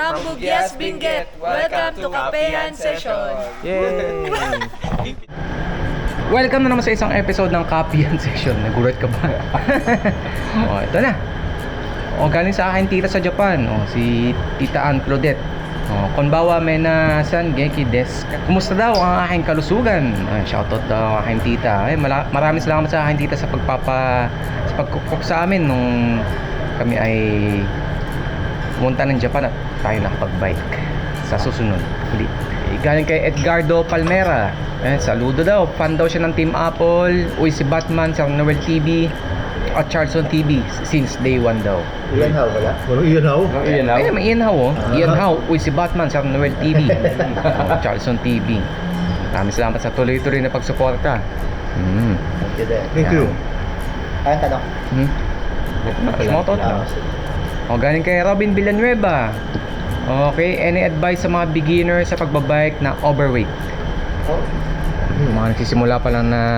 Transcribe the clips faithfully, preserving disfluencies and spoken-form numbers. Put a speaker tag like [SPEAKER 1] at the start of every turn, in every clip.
[SPEAKER 1] From Bugyas Benguet, welcome to Kapehan Session.
[SPEAKER 2] Yay! Welcome na naman sa isang episode ng Kapehan Session. Nagulat ka ba? Oh, ito na. Oh, galing sa akin tita sa Japan. Oh, si Tita Ann Claudette. Oh, konbawa may na san genki desu. Kumusta daw ang aking kalusugan? Ay, shoutout daw ang aking tita. Ay, mala- maraming salamat sa aking tita sa pagpapa sa pagkukok sa amin nung kami ay pumunta ng Japan at tayo nakapag-bike sa susunod ulit. Eh, galing kay Edgardo Palmera. Eh, saludo daw. Fan daw siya ng Team Apple. Uy, si Batman sa Noel T V at Charleston T V since day one daw.
[SPEAKER 3] Ian How wala? Walang Ian How?
[SPEAKER 2] Ian How? Ay, may Ian How oh. Ian How. Uy, si Batman sa Noel T V. Oh, Charleston T V. Maraming salamat sa tuloy-tuloy na pagsuporta. Mm.
[SPEAKER 3] Thank you din.
[SPEAKER 2] Thank you.
[SPEAKER 3] Ay, tanong.
[SPEAKER 2] Hmm? Shoutout na. O, galing kay Robin Villanueva. Okay, any advice sa mga beginner sa pagbabike na overweight?
[SPEAKER 3] Oh.
[SPEAKER 2] Yung mga nagsisimula pa lang na...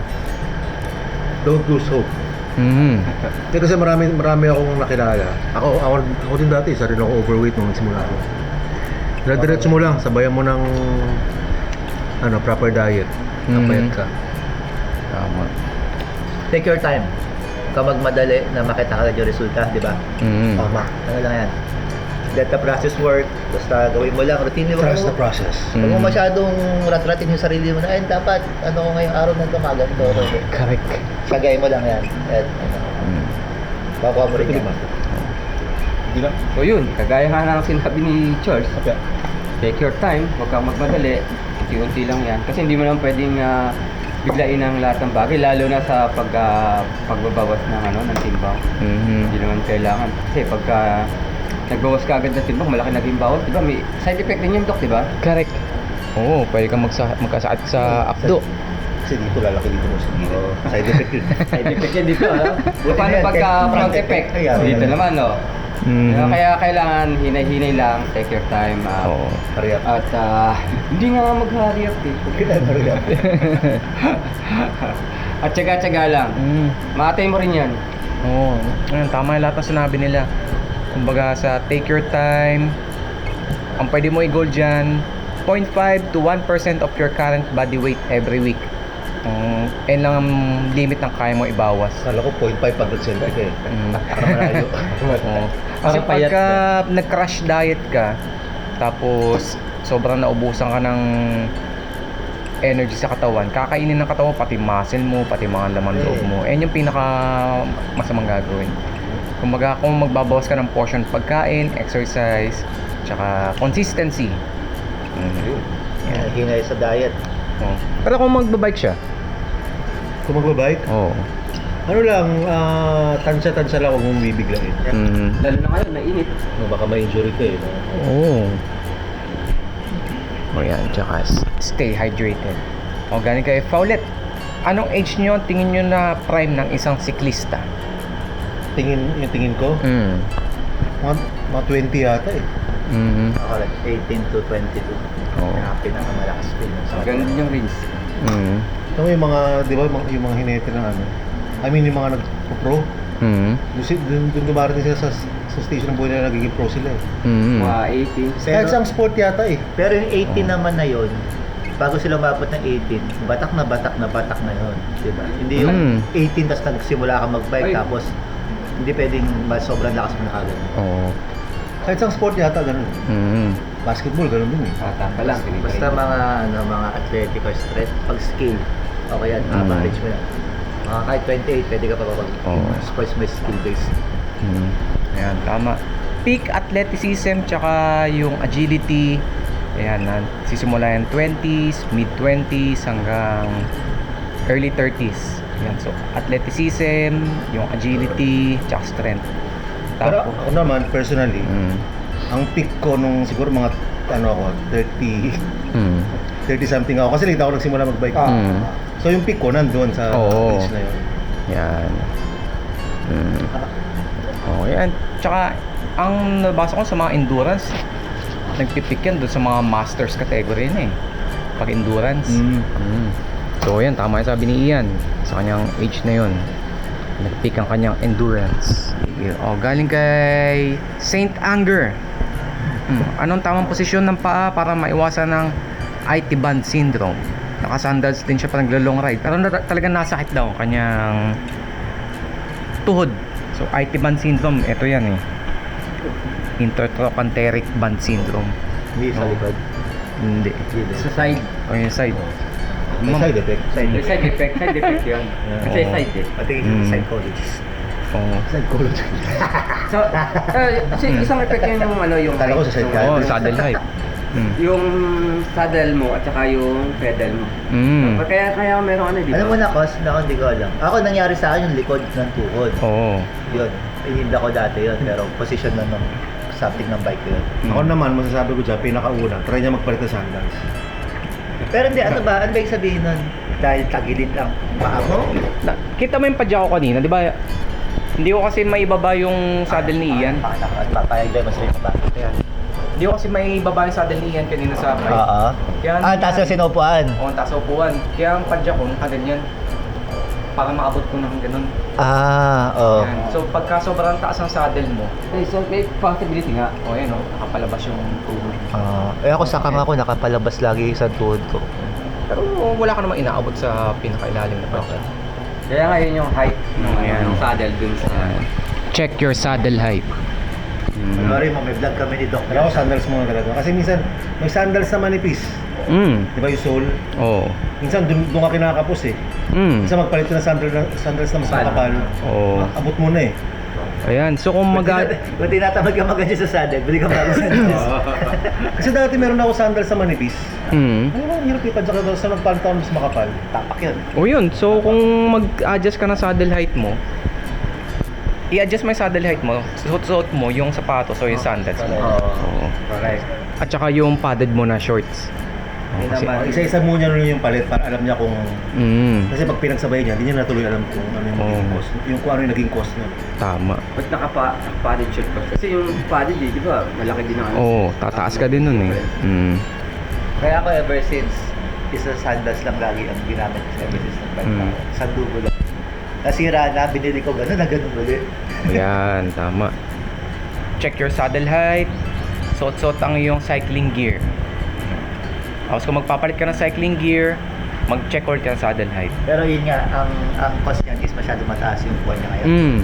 [SPEAKER 4] Don't lose hope.
[SPEAKER 2] Hmm.
[SPEAKER 4] Hindi kasi marami, marami akong nakilala. Ako, ako, ako din dati, isa rin ako overweight nung nagsimula ako. Diretso mo lang, sabayan mo ng ano, proper diet. Kapayat ka.
[SPEAKER 2] Tama.
[SPEAKER 3] Take your time. Huwag ka magmadali na makita ka yung resulta, di ba?
[SPEAKER 2] Mm.
[SPEAKER 4] Tama.
[SPEAKER 3] Ano lang yan. Let the process work. Basta gawin mo lang. Routine mo.
[SPEAKER 4] Trust the process.
[SPEAKER 3] Huwag mo
[SPEAKER 2] Mm.
[SPEAKER 3] masyadong rat-ratin yung sarili mo na, ay, dapat, ano ko ngayong araw na ito, maganto.
[SPEAKER 2] Correct.
[SPEAKER 3] Sagay mo lang yan. At, ano,
[SPEAKER 2] Mm.
[SPEAKER 3] bakuha mo rin yan.
[SPEAKER 4] Hindi lang.
[SPEAKER 5] So yun, kagaya nga ng sinabi ni Charles, take your time, huwag kang magmadali, unti-unti lang yan. Kasi hindi mo naman pwedeng ah, biglain ang lahat ng bagay, lalo na sa pag, ah, pagbabawas ng, ano, ng timbang.
[SPEAKER 2] Mhm.
[SPEAKER 5] Hindi naman kailangan. Kasi pagka nagbawas ka agad ng timbang, malaki naging bawal, di ba? May side effect din yung doc, di ba?
[SPEAKER 2] Correct. Oo, pwede kang magsa- magkasakit sa akdo.
[SPEAKER 4] Kasi dito lalaki dito mo sa gilid. Side effect yun.
[SPEAKER 5] Side effect yan dito, ha?
[SPEAKER 3] Buti
[SPEAKER 5] Paano
[SPEAKER 3] na yan,
[SPEAKER 5] pagka
[SPEAKER 3] kaya-
[SPEAKER 5] front effect?
[SPEAKER 4] Ayan.
[SPEAKER 5] Dito naman, no?
[SPEAKER 2] Mhm.
[SPEAKER 5] Kaya kailangan hinay-hinay lang, take your time. ah,
[SPEAKER 2] Oo.
[SPEAKER 4] Hurry up.
[SPEAKER 5] At ah, hindi nga mag-hurry up eh.
[SPEAKER 4] Hurry up.
[SPEAKER 5] At tsaga-tsaga lang.
[SPEAKER 2] Mm.
[SPEAKER 5] Maatay mo rin yan.
[SPEAKER 2] Oo. Ayun, tama yung lahat ng sinabi nila. Kumbaga sa take your time, ang pwede mo i-goal dyan, zero point five to one percent of your current body weight every week. Um, yan lang ang limit ng kaya mo ibawas.
[SPEAKER 4] Kala ko zero point five pag nag-selfie ka eh.
[SPEAKER 2] Mm.
[SPEAKER 4] Para malayo.
[SPEAKER 2] Oo. Kasi
[SPEAKER 5] Parang payat
[SPEAKER 2] pagka nag-crash diet ka, tapos sobrang naubusan ka ng energy sa katawan, kakainin ng katawan pati muscle mo, pati mga laman loob mo. Yan yung pinaka masamang gagawin. Kumbaga kung magbabawas ka ng portion pagkain, exercise, tsaka consistency. Mm. Yan.
[SPEAKER 3] Hinay sa diet.
[SPEAKER 2] Oo. Pero kung magbabike siya,
[SPEAKER 4] Kung magbabike,
[SPEAKER 2] oo.
[SPEAKER 4] ano lang, ah, tansya-tansya lang, huwag mong bibiglain.
[SPEAKER 2] Mm.
[SPEAKER 5] Lalo na ngayon, nainit.
[SPEAKER 4] No, baka ma-injury ka eh. No?
[SPEAKER 2] Oo. O yan, tsaka s- stay hydrated. O galing kay Faulet. Anong age nyo tingin nyo na prime ng isang siklista?
[SPEAKER 4] Tingin, yung tingin ko,
[SPEAKER 2] Mm.
[SPEAKER 4] mga, mga twenty yata eh.
[SPEAKER 2] Mm.
[SPEAKER 3] Ako like eighteen to twenty-two.
[SPEAKER 2] Oo.
[SPEAKER 3] Yung pinakamalakas speed ng sa
[SPEAKER 5] Ganun yung range.
[SPEAKER 2] Mm.
[SPEAKER 4] Ito yung mga, di ba, yung mga, yung mga hinete ng ano, I mean yung mga nag-pro,
[SPEAKER 2] Mm.
[SPEAKER 4] doon, si- doon, doon dumarating sila sa, sa station ng buhay na nagiging pro sila eh.
[SPEAKER 2] Mm.
[SPEAKER 5] Mga eighteen.
[SPEAKER 4] Kahit isang sport yata eh.
[SPEAKER 3] Pero yung eighteen naman na yon, bago sila umabot ng eighteen, batak na batak na batak na yon, di ba? Hindi yung
[SPEAKER 2] Mm.
[SPEAKER 3] eighteen tapos nagsimula ka mag-bike
[SPEAKER 5] Ay.
[SPEAKER 3] tapos hindi pwedeng mas sobrang lakas mo na kagad.
[SPEAKER 2] Oo.
[SPEAKER 4] Kahit isang sport yata ganun.
[SPEAKER 2] Mm.
[SPEAKER 4] Basketball ganun din eh.
[SPEAKER 5] Bata pa lang.
[SPEAKER 3] Basta mga ano mga athletic or strength, pag skill, okay yan,
[SPEAKER 2] Mm.
[SPEAKER 3] average mo yan. Mga kahit twenty-eight, pwede ka pa pag
[SPEAKER 2] Oo.
[SPEAKER 3] sports may skill based.
[SPEAKER 2] Mm. Ayan, tama. Peak athleticism tsaka yung agility. Ayan, na, sisimula yan twenties, mid-twenties hanggang early thirties. Ayan, so athleticism, yung agility, tsaka strength.
[SPEAKER 4] Pero
[SPEAKER 2] Tapos,
[SPEAKER 4] ako naman, personally,
[SPEAKER 2] mm.
[SPEAKER 4] ang peak ko nung siguro mga, ano ako, thirty,
[SPEAKER 2] Mm.
[SPEAKER 4] thirty something ako. Kasi late ako nagsimula mag-bike.
[SPEAKER 2] Mm.
[SPEAKER 4] So yung peak ko nandun sa
[SPEAKER 2] Oo.
[SPEAKER 4] age na yun.
[SPEAKER 2] Yan. Mm. Oh, yan. Tsaka, ang nabasa ko sa mga endurance, nagpipik yan doon sa mga masters category na eh. Pag endurance.
[SPEAKER 4] Mm.
[SPEAKER 2] Mm. So, yan. Tama yung sabi ni Ian. Sa kanyang age na yun. Nagpik ang kanyang endurance. Oh, galing kay Saint Anger. Hmm. Anong tamang posisyon ng paa para maiwasan ng I T band syndrome? Nakasandals din siya pa naglo-long ride. Pero na, talagang nasakit daw ang kanyang tuhod. So I T band syndrome, ito yan eh. Intertrochanteric band syndrome.
[SPEAKER 3] Hindi sa
[SPEAKER 2] Oh.
[SPEAKER 3] likod.
[SPEAKER 2] Hindi.
[SPEAKER 5] Sa side.
[SPEAKER 2] O yung side.
[SPEAKER 4] May
[SPEAKER 2] Ma'am.
[SPEAKER 4] side effect.
[SPEAKER 3] Side
[SPEAKER 5] May side effect. Side effect yun. Kasi
[SPEAKER 2] Oo.
[SPEAKER 5] side eh.
[SPEAKER 3] Patingin
[SPEAKER 2] Mm.
[SPEAKER 3] sa psychologist.
[SPEAKER 2] Oo.
[SPEAKER 4] Psychology.
[SPEAKER 5] So, uh, si, isang effect yun yung ano, yung
[SPEAKER 4] Akala ko sa side
[SPEAKER 5] Yung-
[SPEAKER 4] ka.
[SPEAKER 2] Oo, saddle height. Mm.
[SPEAKER 5] Yung saddle mo at saka yung pedal mo.
[SPEAKER 2] Mm.
[SPEAKER 5] Kaya kaya meron ano, di ba?
[SPEAKER 3] Alam mo na, Kos, na hindi ko alam. Ako, nangyari sa akin yung likod ng tuhod.
[SPEAKER 2] Oo.
[SPEAKER 3] Yun. Ininda ko dati yun, pero position na ng something ng bike ko yun.
[SPEAKER 4] Ako naman, masasabi ko dyan, pinakauna, try niya magpalit ng sandals.
[SPEAKER 3] Pero hindi, ano ba? Ano ba yung sabihin nun? Dahil tagilid lang paa mo?
[SPEAKER 2] Na, kita mo yung padya ko kanina, di ba? Hindi ko kasi maibaba yung saddle ni Ian.
[SPEAKER 3] Pakita ko at papayag din mo sa ba?
[SPEAKER 2] Ayan. Hindi ko kasi maibaba yung saddle ni Ian kanina sa bike.
[SPEAKER 3] Oo.
[SPEAKER 2] Kaya,
[SPEAKER 3] Ah, taas yung sinupuan.
[SPEAKER 2] Oo, taas sa upuan. Kaya ang padya ko, nakaganyan. Para maabot ko ng ganun.
[SPEAKER 3] Ah, oo.
[SPEAKER 2] Ayan. So pagka sobrang taas ang saddle mo,
[SPEAKER 5] Eh, so may possibility nga.
[SPEAKER 2] o oh, ayan o, nakapalabas yung tuhod.
[SPEAKER 3] Ah, eh ako sa kama ko, nakapalabas lagi sa tuhod ko.
[SPEAKER 2] Pero wala ka namang inaabot sa pinakailalim na padya.
[SPEAKER 5] Kaya nga yun yung height ng,
[SPEAKER 2] Ayan.
[SPEAKER 5] ng saddle dun sa...
[SPEAKER 2] Check your saddle height.
[SPEAKER 3] Sorry mo, may vlog kami ni Doc.
[SPEAKER 4] Pero ako sandals muna talaga. Kasi minsan, may sandals na manipis.
[SPEAKER 2] Mm.
[SPEAKER 4] Di ba yung sole?
[SPEAKER 2] Oo.
[SPEAKER 4] Minsan, dun, dun ka kinakapos eh.
[SPEAKER 2] Mm.
[SPEAKER 4] Minsan magpalit ka ng sandals, sandals na mas makapal.
[SPEAKER 2] Oo.
[SPEAKER 4] Abot mo na eh.
[SPEAKER 2] Ayan, so kung mag...
[SPEAKER 3] Kung tinatamad ka mag sa saddle, bili ka bago sandals.
[SPEAKER 4] Kasi dati meron ako sandals na manipis.
[SPEAKER 2] Mm.
[SPEAKER 4] Ano ba, ang hirap ipad sa sa nagpalit ako mas makapal.
[SPEAKER 3] Tapak yun.
[SPEAKER 2] O yun, so kung mag-adjust ka ng saddle height mo, i-adjust mo yung saddle height mo, suot-suot mo yung sapatos o yung sandals mo. Oo.
[SPEAKER 3] Correct.
[SPEAKER 2] At saka yung padded mo na shorts. Oo,
[SPEAKER 3] Yun
[SPEAKER 2] kasi,
[SPEAKER 3] naman.
[SPEAKER 4] Isa-isa muna rin yung palit para alam niya kung...
[SPEAKER 2] mm,
[SPEAKER 4] Kasi pag pinagsabay niya, hindi niya natuloy alam kung ano yung magiging
[SPEAKER 2] Oo.
[SPEAKER 4] cost. Yung kung ano yung naging cost niya.
[SPEAKER 2] tama.
[SPEAKER 5] Ba't nakapa, padded shirt ko? Kasi yung padded eh, di ba? Malaki din ang ano.
[SPEAKER 2] Oo, tataas ka din nun eh. Mm.
[SPEAKER 3] Kaya ako ever since, isa sandals lang lagi ang ginamit ko ever since ng bike
[SPEAKER 2] Mm.
[SPEAKER 3] ako. Sandugo lang. Nasira na, binili ko gano'n na gano'n ulit.
[SPEAKER 2] Ayan, tama. Check your saddle height. Suot-suot ang iyong cycling gear. Tapos kung magpapalit ka ng cycling gear, mag-check ulit ka ng saddle height.
[SPEAKER 3] Pero yun nga, ang ang cost niyan is masyado mataas yung buwan niya ngayon.
[SPEAKER 2] Mm.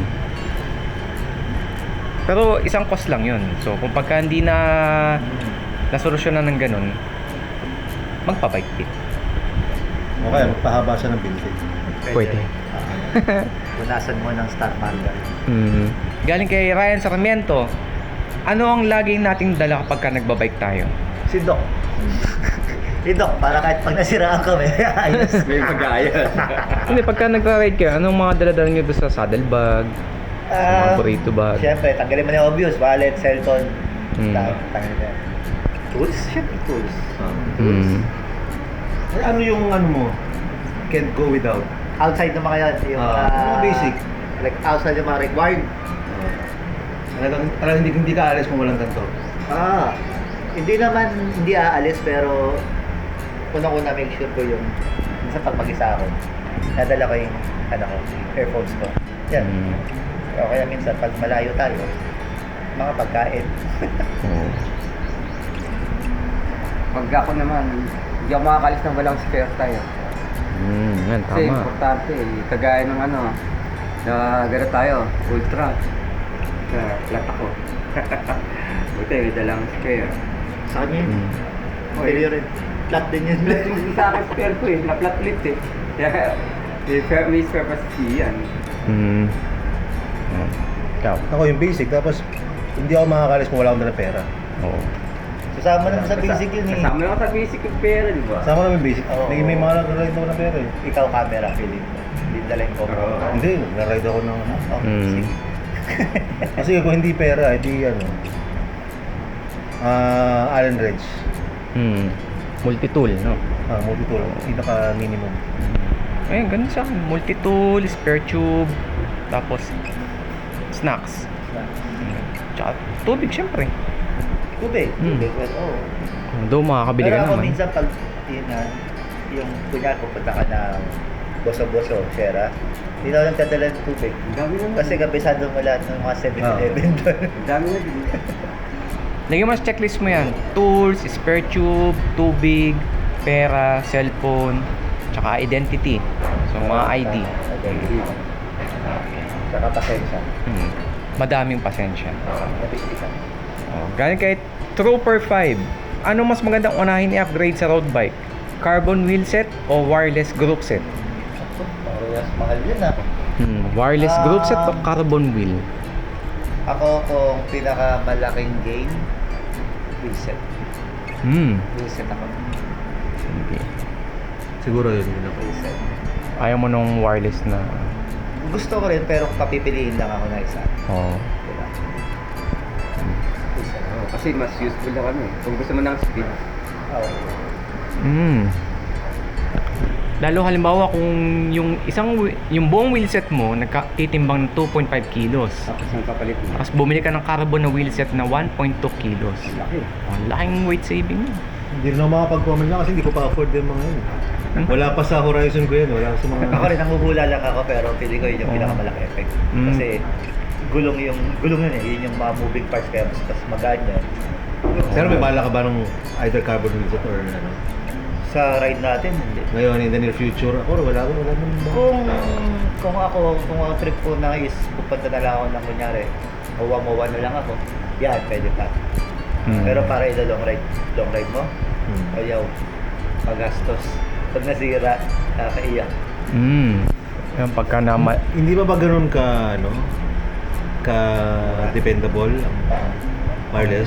[SPEAKER 2] Pero isang cost lang yun. So kung pagka hindi na nasolusyonan ng ganun, magpa-bike kit.
[SPEAKER 4] O kaya magpahaba siya ng binti.
[SPEAKER 2] Pwede.
[SPEAKER 3] Ah, punasan mo ng Star Margar.
[SPEAKER 2] Mm. Galing kay Ryan Sarmiento, ano ang laging nating dala kapag ka nagbabike tayo?
[SPEAKER 3] Si Doc. Si Doc, para kahit pag nasiraan kami, ayos.
[SPEAKER 5] May pag-aayos.
[SPEAKER 2] Hindi, pagka nagra-ride ka, anong mga dala-dala nyo doon sa saddle bag, sa mga
[SPEAKER 3] Ah,
[SPEAKER 2] burrito bag?
[SPEAKER 3] Siyempre, tanggalin mo na yung obvious. Wallet, cellphone.
[SPEAKER 2] Mm.
[SPEAKER 3] Tang- Tanggalin mo. Tools? Siyempre, tools.
[SPEAKER 2] Mm.
[SPEAKER 4] Eh, ano yung ano mo? Can't go without.
[SPEAKER 3] Outside naman kaya yung
[SPEAKER 4] Ah,
[SPEAKER 3] ah,
[SPEAKER 4] mga basic.
[SPEAKER 3] like outside yung mga required.
[SPEAKER 4] Talagang, talagang hindi, hindi ka alis kung walang ganito.
[SPEAKER 3] Ah, hindi naman hindi aalis pero unang-una make sure ko yung sa pag mag-isa ako. Nadala ko yung ano ko, earphones ko. Yan.
[SPEAKER 2] Mm.
[SPEAKER 3] O kaya minsan pag malayo tayo, mga pagkain.
[SPEAKER 2] Oo.
[SPEAKER 5] Pag ako naman, hindi ako makakalis ng walang spare tayo.
[SPEAKER 2] Mm, yan,
[SPEAKER 5] Kasi
[SPEAKER 2] tama.
[SPEAKER 5] importante eh. Kagaya ng ano, na gano'n tayo, ultra. Sa flat ako. Buti, may dalang spare.
[SPEAKER 3] Sa kanya yun.
[SPEAKER 2] Mm.
[SPEAKER 3] Pwede rin. Flat din yun.
[SPEAKER 5] Flat yung sa akin spare ko eh, na-flat ulit eh. Kaya, may spare, may spare pa si yan.
[SPEAKER 2] Mm. Oh. Ikaw?
[SPEAKER 4] Ako yung basic, tapos hindi ako makakalis kung wala akong dala pera.
[SPEAKER 2] Oo.
[SPEAKER 3] Sasama naman sa basic yun eh.
[SPEAKER 5] Kasama lang sa basic yung pera, di ba?
[SPEAKER 4] Sama namin basic.
[SPEAKER 3] Oo.
[SPEAKER 4] May, may mga nag-ride ako ng pera eh.
[SPEAKER 3] Ikaw camera, feeling mo. Hindi dala yung GoPro.
[SPEAKER 5] Oo.
[SPEAKER 4] Hindi, nag-ride ako ng...
[SPEAKER 3] Oh,
[SPEAKER 2] Mm.
[SPEAKER 3] sige.
[SPEAKER 4] Kasi kung hindi pera, hindi ano... Ah, Allen Reds.
[SPEAKER 2] Mm. Multi-tool, no?
[SPEAKER 4] Ah, multi-tool. Pinaka-minimum.
[SPEAKER 2] Ayun, ganun sa akin. Multi-tool, spare tube, tapos snacks. Tsaka tubig, syempre.
[SPEAKER 3] Tubig.
[SPEAKER 2] Mm.
[SPEAKER 3] Tubig. Well, oo.
[SPEAKER 2] Doon makakabili
[SPEAKER 3] Pero
[SPEAKER 2] ka
[SPEAKER 3] ako
[SPEAKER 2] naman.
[SPEAKER 3] minsan pag yun na, yung kunyari pupunta ka ng boso-boso, Shera, hindi na ako nagdadala ng tubig.
[SPEAKER 5] Ang dami na.
[SPEAKER 3] Kasi kabisado mo lahat ng mga seven eleven doon.
[SPEAKER 5] Ang dami na din.
[SPEAKER 2] Lagyan mo sa checklist mo yan. Tools, spare tube, tubig, pera, cellphone, tsaka identity. So, mga I D.
[SPEAKER 3] Identity. Saka pasensya.
[SPEAKER 2] Hmm. Madaming pasensya.
[SPEAKER 3] Napistikan.
[SPEAKER 2] Oh, galing kay Trooper five. Ano mas magandang unahin i-upgrade sa road bike? Carbon wheel set o wireless group set?
[SPEAKER 3] Parehas mahal yun ah.
[SPEAKER 2] Hmm, wireless group set o
[SPEAKER 3] Um,
[SPEAKER 2] carbon wheel?
[SPEAKER 3] Ako kung pinakamalaking gain, wheelset.
[SPEAKER 2] Hmm.
[SPEAKER 3] Wheelset ako.
[SPEAKER 2] Sige.
[SPEAKER 4] Siguro yun yun ako.
[SPEAKER 3] Wheelset.
[SPEAKER 2] Ayaw mo nung wireless na...
[SPEAKER 3] Gusto ko rin pero papipiliin lang ako na isa.
[SPEAKER 2] Oh.
[SPEAKER 3] Diba? Wheelset.
[SPEAKER 5] Oh, kasi mas useful na ano eh. Kung gusto mo ng speed.
[SPEAKER 3] Oo.
[SPEAKER 2] Hmm. Lalo halimbawa kung yung isang whe- yung buong wheelset mo nagtitimbang ng two point five kilos.
[SPEAKER 5] Tapos ang kapalit mo.
[SPEAKER 2] Tapos bumili ka ng carbon na wheelset na one point two kilos.
[SPEAKER 5] Laki.
[SPEAKER 2] Oh, laking weight saving mo.
[SPEAKER 4] Hindi rin ako makapag-comment lang kasi hindi ko pa afford yung mga yun.
[SPEAKER 2] Hmm?
[SPEAKER 4] Wala pa sa horizon ko yan. Wala sa mga...
[SPEAKER 3] Ako rin, nanguhula lang ako pero pili ko yun yung
[SPEAKER 2] Oo.
[SPEAKER 3] pinakamalaki effect.
[SPEAKER 2] Mm.
[SPEAKER 3] Kasi gulong yung, gulong yun eh, yun yung mga moving parts kaya mas, mas magaan yun.
[SPEAKER 4] Pero may bala ka ba ng either carbon wheelset or ano?
[SPEAKER 3] Sa ride natin, hindi.
[SPEAKER 4] Ngayon, in the near future, ako wala ko, wala naman ba?
[SPEAKER 3] Kung, kung ako, kung ang trip ko na is pupunta na lang ako ng kunyari, mawa-mawa na lang ako, yan, pwede pa.
[SPEAKER 2] Hmm.
[SPEAKER 3] Pero para ilo long ride, long ride mo,
[SPEAKER 4] Hmm.
[SPEAKER 3] ayaw, magastos. Pag nasira, nakakaiyak.
[SPEAKER 2] Hmm. Yan pagka na ma-
[SPEAKER 4] Hindi ba ba ganun ka, ano? Ka dependable ang wireless?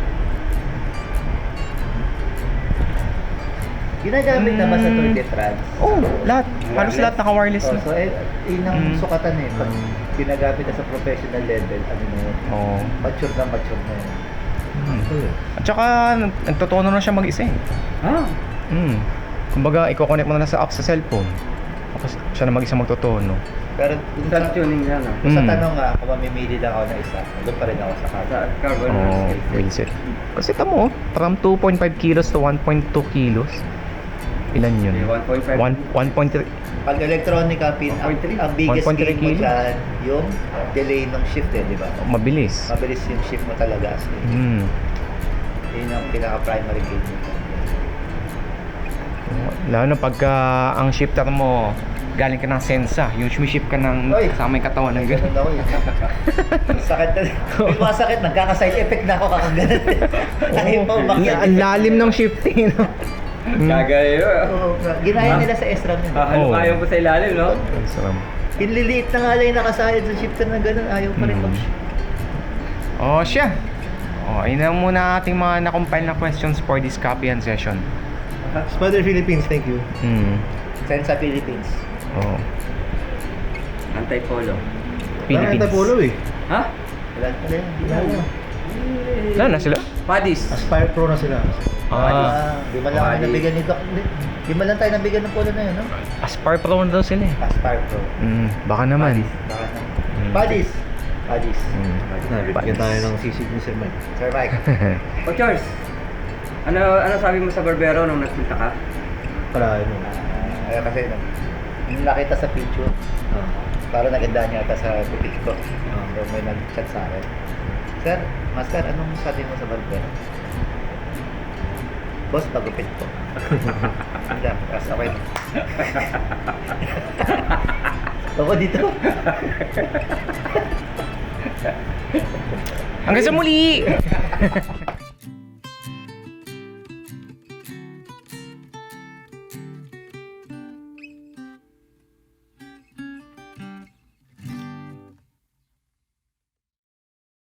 [SPEAKER 3] Ginagamit naman sa
[SPEAKER 2] Mm.
[SPEAKER 3] Tour de France.
[SPEAKER 2] Oh, lahat. Halos lahat naka-wireless
[SPEAKER 3] Oh,
[SPEAKER 2] na.
[SPEAKER 3] so, eh, yun ang
[SPEAKER 2] Mm.
[SPEAKER 3] sukatan eh. Pag ginagamit na sa professional level, ano na yun,
[SPEAKER 2] Oh.
[SPEAKER 3] mature na mature na yun.
[SPEAKER 2] Hmm.
[SPEAKER 4] Hmm.
[SPEAKER 2] At saka nag- nagtotono na siya mag-isa eh.
[SPEAKER 5] Ah!
[SPEAKER 2] Hmm. Kumbaga, i-connect mo na sa app sa cellphone. Tapos siya na mag-isa magtotono.
[SPEAKER 3] Pero dun sa,
[SPEAKER 5] Self-tuning yan ah.
[SPEAKER 3] dun sa
[SPEAKER 2] Mm.
[SPEAKER 3] tanong nga, kung mamimili lang ako ng isa, doon pa rin ako sa
[SPEAKER 5] Sa
[SPEAKER 3] kanya.
[SPEAKER 5] carbon
[SPEAKER 2] Oh,
[SPEAKER 5] wheels.
[SPEAKER 2] wheelset. Kasi tamo, from two point five kilos to one point two kilos. Ilan yun?
[SPEAKER 5] one point five.
[SPEAKER 2] one one point three.
[SPEAKER 3] Pag electronic ang, pin, ang,
[SPEAKER 5] one point three.
[SPEAKER 3] ang biggest
[SPEAKER 2] one point three
[SPEAKER 3] gain mo
[SPEAKER 2] kilos.
[SPEAKER 3] dyan, yung delay ng shift eh, di ba?
[SPEAKER 2] Mabilis.
[SPEAKER 3] Mabilis yung shift mo talaga. So,
[SPEAKER 2] Hmm.
[SPEAKER 3] yun ang pinaka-primary gain mo.
[SPEAKER 2] Lalo na pagka ang shifter mo galing ka ng Sensa, yung shift ka ng
[SPEAKER 3] Oy!
[SPEAKER 2] kasama yung katawan ng
[SPEAKER 3] Ganun
[SPEAKER 2] gano'n.
[SPEAKER 3] ako eh. Sakit na. May mga sakit, nagkaka-side effect na ako kakaganan. Ayaw pa umakyat.
[SPEAKER 2] Ang lalim ng shifting, no? Hmm.
[SPEAKER 5] Gagawin yun.
[SPEAKER 3] Oo, nga. Ginaya
[SPEAKER 5] Ha?
[SPEAKER 3] nila sa S-RAM yun.
[SPEAKER 5] Ah,
[SPEAKER 2] Oh.
[SPEAKER 5] kaya po sa ilalim, no?
[SPEAKER 2] Ang sarap.
[SPEAKER 3] Pinliliit na nga lang yung nakasayad sa shifter na gano'n. Ayaw pa rin
[SPEAKER 2] Hmm.
[SPEAKER 3] mag
[SPEAKER 2] Oh, siya. Oh, ayun na muna ating mga na-compile na questions for this copy and session.
[SPEAKER 4] Spider Philippines, thank you.
[SPEAKER 2] Hmm.
[SPEAKER 3] Send sa Philippines.
[SPEAKER 2] Oh.
[SPEAKER 5] Anti-polo.
[SPEAKER 2] Philippines.
[SPEAKER 4] Parang Polo eh.
[SPEAKER 5] Ha?
[SPEAKER 3] Wala pa rin. Wala na.
[SPEAKER 2] Wala na sila?
[SPEAKER 5] Padis.
[SPEAKER 4] Aspire Pro na sila.
[SPEAKER 2] Ah,
[SPEAKER 3] Ah, di man lang
[SPEAKER 5] Bali.
[SPEAKER 3] tayo nabigyan ni Doc. Di- Di man lang tayo nabigyan ng polo na yun, no?
[SPEAKER 2] Aspire Pro na daw sila eh.
[SPEAKER 3] Aspire Pro.
[SPEAKER 2] Hmm, baka naman.
[SPEAKER 3] Baka na.
[SPEAKER 2] Hmm.
[SPEAKER 3] Badis. Badis.
[SPEAKER 2] Hmm.
[SPEAKER 4] Bigyan tayo ng sisig ni Sir Mike.
[SPEAKER 3] Sir Mike.
[SPEAKER 5] O Charles, ano ano sabi mo sa barbero nung nagpunta ka?
[SPEAKER 4] Para ano.
[SPEAKER 3] Ah, ayun kasi, nung nung nakita sa picture,
[SPEAKER 4] Ah.
[SPEAKER 3] parang naganda niya ata sa boutique ko.
[SPEAKER 4] Ah.
[SPEAKER 3] So may nag-chat sa akin. Sir, Master, anong sabi mo sa barbero? Boss, pagupit ko. Hindi, kasi okay. Ako dito.
[SPEAKER 2] Hanggang sa muli!